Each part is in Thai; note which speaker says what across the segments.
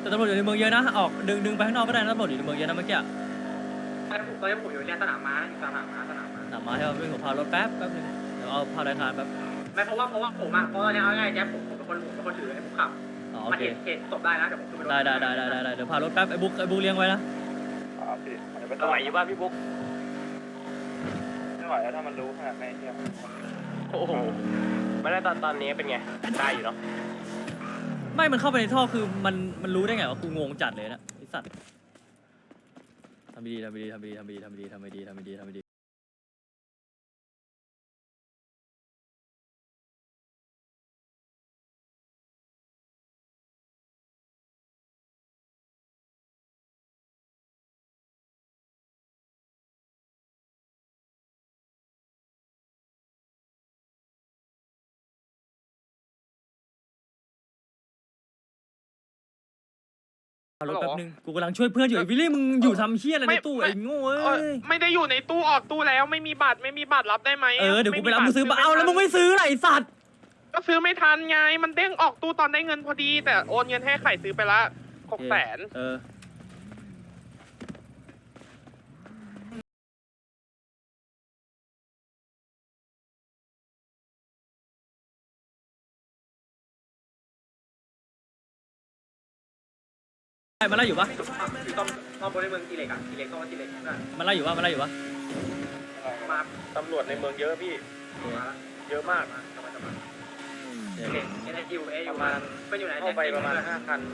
Speaker 1: แต่ตำรวจอยู่ในเมืองเยอะนะออกดึงไปข้างนอกก็ได้นะตำรวจอยู่ในเมืองเยอะนะเมื่อกี้
Speaker 2: ตอนนี้ผมอยู่เนี่ยสนามม้าอยู่สนามม้า
Speaker 1: หนามาให้เราวิ่งผมพารถแป๊บนึงเดี๋ยวเอาพารายการแป๊บ
Speaker 2: ไม่เพราะว่าผมอ่ะเพราะเนี่ยเอาง่ายแจ๊บผมเป็นคนถือให้ผมขับมาเห็นศพได้นะเดี๋ยวผมขึ้นไป
Speaker 1: ได้เดี๋ยวพารถแป๊บไอ้บุ๊กเลี้ยงไว้นะ
Speaker 3: ไม่ไหวอยู่ป่ะพี่บุ๊กไม่ไหวแล้วถ้ามันรู้ขนาดไหนเนี่ยโอ้โหไม่ได้ตอนนี้เป็นไงได้อยู่เนาะ
Speaker 1: ไม่มันเข้าไปในท่อคือมันรู้ได้ไงว่ากูงงจัดเลยนะไอ้สัตว์ทำดีรถแป๊บนึงกูกำลังช่วยเพื่อนอยู่ไอ้วิลลี่มึงอยู่ทำเฮี้ยอะไรในตู้ไอ้โง่เอ้ย
Speaker 4: ไม่ได้อยู่ในตู้ออกตู้แล้วไม่มีบัตรรับได้ไหม
Speaker 1: เดี๋ยวกูไปรับมึงซื้อเอาแล้วมึงไม่ซื้อไรสัตว์
Speaker 4: ก็ซื้อไม่ทันไงมันเด้งออกตู้ตอนได้เงินพอดีแต่โอนเงินให้ไข่ซื้อไปละ600,000
Speaker 1: มันไล่อยู่ปะ
Speaker 2: ต้องบนในเมืองทีเล็กอ่ะทีเล็กต้องมาทีเล็ก
Speaker 1: มันไล่อยู่ปะ
Speaker 2: มา
Speaker 3: ตำรวจในเมืองเยอะพี่เยอะมาก
Speaker 2: ทีเล็กNIUA อยู่มาเป็นอยู่ไหน
Speaker 3: เข้าไปประมาณ5 คัน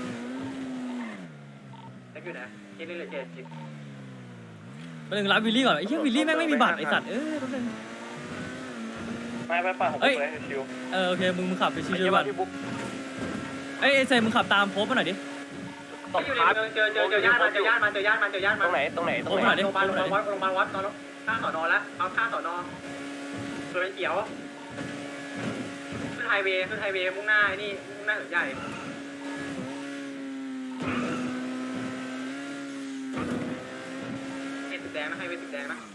Speaker 2: แจ็คอยู่ไหนเจนี่เลย70
Speaker 1: ไปหนึ่งรับวิลลี่ก่อนไอ้เหี้ยวิลลี่แม่งไม่มีบัตรไอ้สัตว์แป๊บนึง
Speaker 3: ไม่ป่ะผมเลยชิว
Speaker 1: โอเคมึงขับไปชิวๆก่อนไอ้เซมึงขับตามโพสมาหน่อยดิ
Speaker 2: ตกครับเจอย่านมัน
Speaker 3: ตรงไหน
Speaker 2: โรงพยาบาลวัดตอนข้างสอนอแล้วเอาข้างสอนอตัวเป็นเขียวขึ้นไฮเวย์มุ่งหน้านี่มุ่งหน้าถึงใหญ่ตึกแดงนะไฮเวย์ตึกแดงนะ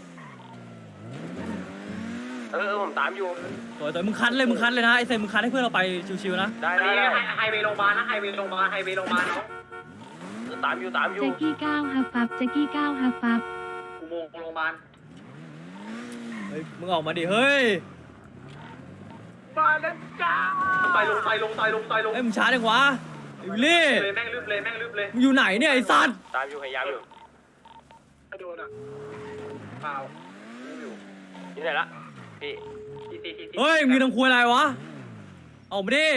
Speaker 3: ผมตามอยู่
Speaker 1: ตัวมึงคันเลยนะไอ้เซมึงคันให้เพื่อนเราไปชิวๆนะ
Speaker 3: ได้
Speaker 2: ไฮเวย์โรงพยาบาลนะไฮเวย์โรงพยาบาลเนาะ
Speaker 3: ตามอยู่
Speaker 5: แจ็คกี้9ฮับฟับ
Speaker 2: อุโมงค์โรงพยาบาล
Speaker 1: เฮ้ยมึงออกมาดิเฮ้ย
Speaker 4: มาแล้วจ้า
Speaker 2: ต่อยลง
Speaker 1: เฮ้ยมึงช้าจังวะวิลลี่
Speaker 2: แม่งลืบเลย
Speaker 1: มึงอยู่ไหนเนี่ยไอ้สัตว์
Speaker 3: ตามอยู่พยายามอยู่
Speaker 2: ไม่โดนอ่ะเปล่า
Speaker 3: อยู่ไหนละพี่
Speaker 1: เฮ้ยมึงทำครัวอะไรวะออกมาดิ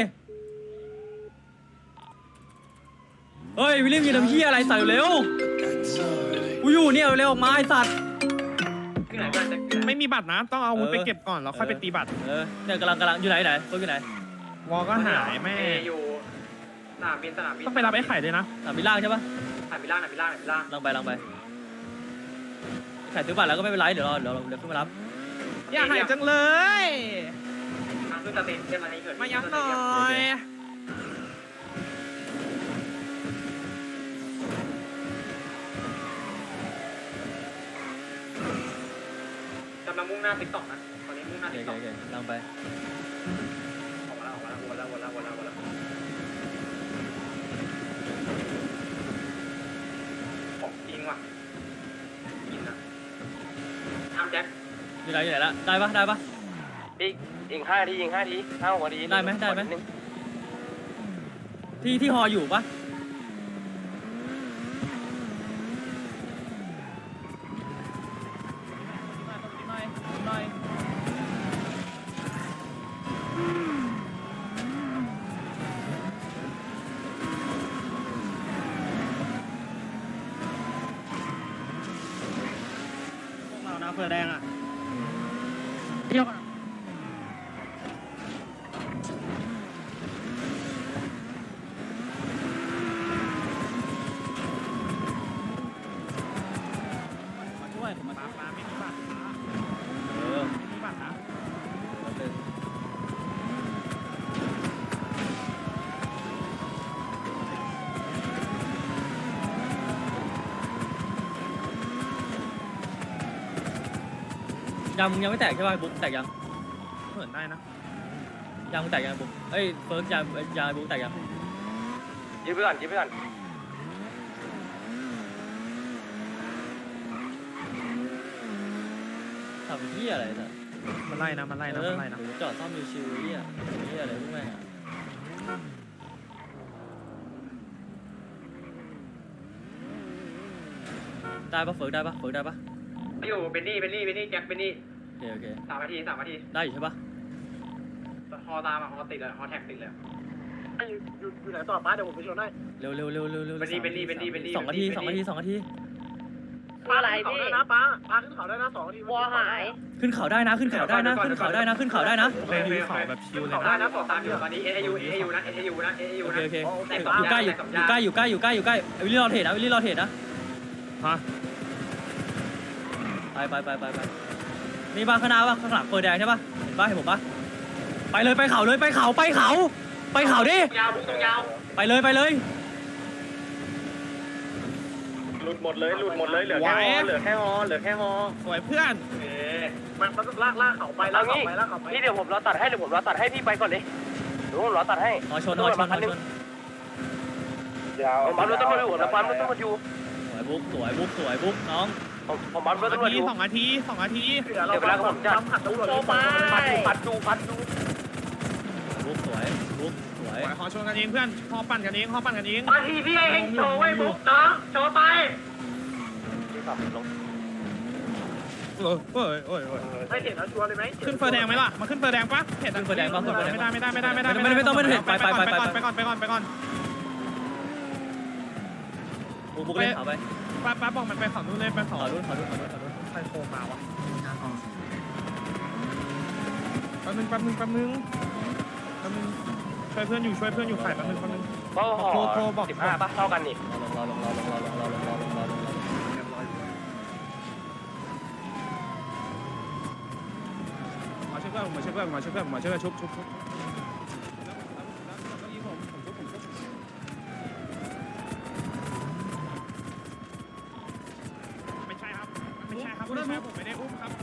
Speaker 1: เฮ้ยวิลลี่มีน้ำเหี้ยอะไรใส่เร็วกูอยู่เนี่ยเร็วออกมาไอ้สัตว์
Speaker 4: ไม่มีบัตรนะต้องเอาอาวุธไปเก็บก่อนแล้วค่อยไปตีบัตร
Speaker 1: เนี่ยกำลังอยู่ไหนตัวอยู่ไหน
Speaker 4: วอก็หายแม่
Speaker 2: อยู่สนามบิน
Speaker 4: ต้องไปรับไอ้ไข่ด้วยนะ
Speaker 1: สนามบินล่างใช่ปะ
Speaker 2: สนามบินล่าง
Speaker 1: ลังไปไข่ซื้อบัตรแล้วก็ไม่เป็นไรเดี๋ยวขึ้นมารับ
Speaker 4: อยากหายจังเลย
Speaker 2: ขึ้นสเตนเช่นอะไรเกิด
Speaker 4: มายังหน่อย
Speaker 2: กำลังมุ่งหน้าติ๊กต็อกนะตอนนี้มุ่งหน้าติ๊กต็อก
Speaker 1: ลังไป
Speaker 2: ออกมาแล้วของจริงว่ะกินนะทำแจ็ค
Speaker 1: อยู่ไหนละได้ปะ
Speaker 3: ยิง5 ที5 หัวที
Speaker 1: ได้ไหมที่ฮออยู่ปะ
Speaker 4: เผื่อแดงอ่ะยกมาช่วยผมมาไม่มีบัตรไม่มีบัตรนะ
Speaker 1: ยังมึงยังไม่แตกใช่ป่ะบุ๊กแตกยัง
Speaker 4: เหมือนได้นะ
Speaker 1: ยังแตกยังบุ๊กเอ้ยเฟิร์สยางบุ๊กแตกยัง
Speaker 3: ยืดไปก่อนยืดไปก่อน
Speaker 1: ทำเหี้ยอะไรสัตว์
Speaker 6: มันไล่นะมันไล่นะมันไล่นะ
Speaker 1: จอดซ่อมชิวๆเหี้ยเหี้ยอะไรพวกแม่งอะได้ปะเฟิร์กได้ปะเฟิร์กได้ปะ
Speaker 2: อยู่เบนนี่แจ็คเบนนี่
Speaker 1: โอเค
Speaker 2: 3 นาที
Speaker 1: ได้อยู่ใช่ปะ
Speaker 2: ฮอตามอ่ะฮอติดเลยฮอแท็กติดเลย
Speaker 6: อยู่ไหนต่อป้าเดี๋ยวผมไปชนได้
Speaker 1: เร็ว
Speaker 2: เบนนี่
Speaker 1: 2 นาที2 นาที2 นาที
Speaker 6: ป้าอะไรพี่นะป้าขึ้นเขาได้นะ2 นาที
Speaker 7: วัวหาย
Speaker 1: ขึ้นเขาได้นะขึ้นเขาได้นะขึ้นเขาได้นะขึ้นเขาได้นะ
Speaker 6: โอเคเขาแบบชิวเลย
Speaker 2: ได้
Speaker 6: นะ
Speaker 2: นะตามอยู่ตอนนี้เอยูนะ
Speaker 1: โอเคอยู่ใกล้อยู่ใกล้อยู่ใกล้วิลลี่รอเทรดนะวิลลี่รอเทรดนะ
Speaker 6: ฮะ
Speaker 1: ไปนี่บ้านข้างหน้าป่ะข้างหลังเปิดแดงใช่ป่ะเห็นป่ะเห็นผมป่ะไปเลยไปเขาเลยไปเขาดิ
Speaker 2: ยาวพุ่งตรงยาว
Speaker 1: ไปเลย
Speaker 3: หลุดหมดเลยเหลือแค่ฮอ
Speaker 6: สวยเพื่อนมันลากเขาไป
Speaker 3: เอางี้พี่เดี๋ยวผมรอตัดให้พี่ไปก่อนเลยเดี๋ยวผมรอตัดให้
Speaker 1: หอชน
Speaker 3: ยาวผมบัฟรถตำรวจอยู่ผมบัฟรถตำรวจอยู่
Speaker 1: สวยบุ๊กน้อง
Speaker 3: ผมบัฟรถตำรวจอยู่
Speaker 6: 2 นาที
Speaker 3: เดี๋ยวเวลาผมจัด
Speaker 7: โตไป
Speaker 3: ปัดดู
Speaker 1: บุ๊กสวย
Speaker 6: ขอชนกันเองเพื่อนพอปั่นกันเอง
Speaker 2: บางทีพี่ให้โชว์ไว้บุ๊กน้องโชว์ไป
Speaker 3: ที่ขับลง
Speaker 6: ไม่เห็นแล้วชัวร์เลยไหมขึ้นเฟอร์แดงไหมล่ะมาขึ้นเฟอร์แดงปะเห็นไม่ได้ไปก่อน
Speaker 1: บุ๊กเล่นเขาไป
Speaker 6: ป้าบอกมันไปเขานู่นเลยไปเขา
Speaker 1: ขอรุ่น
Speaker 6: ใครโทรมาวะแป๊บนึงช่วยเพื่อนอยู่ไข่แป๊บนึง
Speaker 3: ก็ห่อ15ป่ะเท่ากันนี่
Speaker 1: รอลง
Speaker 6: มาช่วยเพื่อนชุบไม่ใช่ครับผมไม่ได้อุ้มครับ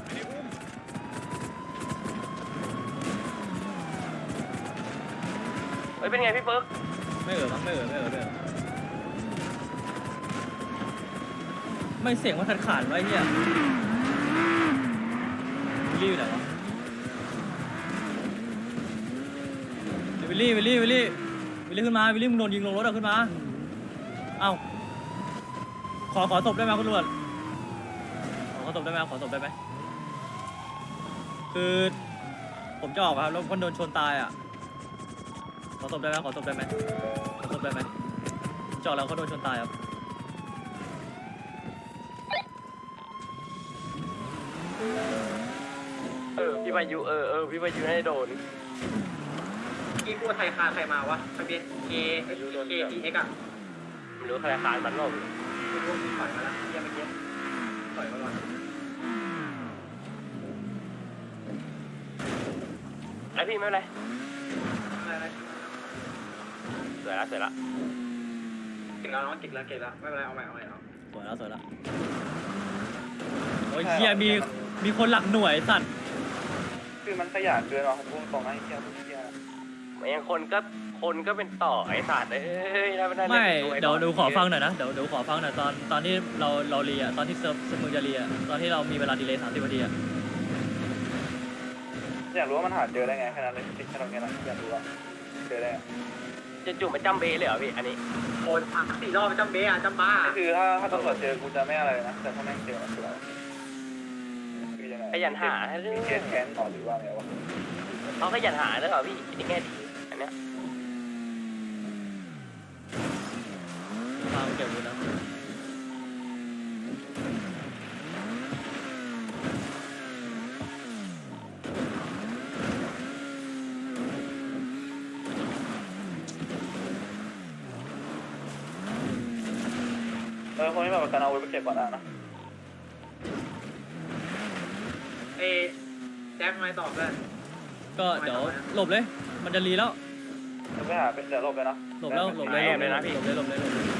Speaker 3: เป็นไงพี่เฟิร์ก
Speaker 1: ไม่เสียงมันขาดไว้เฮียวิลลี่อยู่ไหนวะวิลลี่ขึ้นมาวิลลี่มึงโดนยิงลงรถขึ้นมาเอ้าขอศพได้ไหมคุณตำรวจขอศพได้ไหมคือผมจะออกครับแล้วคนโดนชนตายอ่ะขอศพได้ไหมจอดแล้วเขาโดนชนตายครับ
Speaker 3: พี่มายูพี่มายูให้โดน
Speaker 2: กี่กู้ไทยคาใครมาวะทะเบียน KTX อ่ะ
Speaker 3: ไม่รู้ใครคานมันหรอก
Speaker 2: พวกถอยมาแล้วเมื่อกี้ถอยมาก่อน
Speaker 3: ไอพี่ไม่เป็นไร
Speaker 2: อะไร
Speaker 3: สวยละ
Speaker 2: เก่งแล้วน้องเก่งแล้วไม่เป็นไรเอาใหม่เอา
Speaker 1: สวยแล้วโอ้ยเฮียมีคนหลักหน่วยสัตว์
Speaker 3: คือมันขยันเกินว่ะผมพูดตรงนะไอ้เหี้ยยังคนก็เป็นต่อไอ้สัตว์
Speaker 1: ไม่เดี๋ยวขอฟังหน่อยนะเดี๋ยวขอฟังหน่อยตอนที่เราเรียตอนที่เซิร์ฟมึงจะเรียตอนที่เรามีเวลาดีเลย์30 นาทีอะ
Speaker 3: อยากรู้ว่ามันหาเจอได้ไงแค่นั้นเลยติดแค่ตรงนี้นะอยากรู้ว่าเจอได้จะจุ่มมันจำเบเลยเหรอพี่อันนี้
Speaker 2: โอน4 รอบจำเบ้จำบ้า
Speaker 3: คือถ้าตำรวจเจอกูจะไม่อะไรนะแต่ถ้าแม่งเจอมันคือขยันหามีเคสแค้นต่อหรือว่าไงวะเขาขยันหาแล้วเหรอพี่นี่แง่ดีอันเนี้ย
Speaker 1: พาไปเก็บดูนะ
Speaker 3: คนที่แบบการเอาไว้ไปเก็บก่อนนะ
Speaker 2: แจ็คไม่ตอบเลย
Speaker 1: ก็เดี๋ยวหลบเลยมันจะรีแล้ว
Speaker 3: จะไปหาเป็นเดี๋ยวหลบเลยนะ
Speaker 1: หลบเลย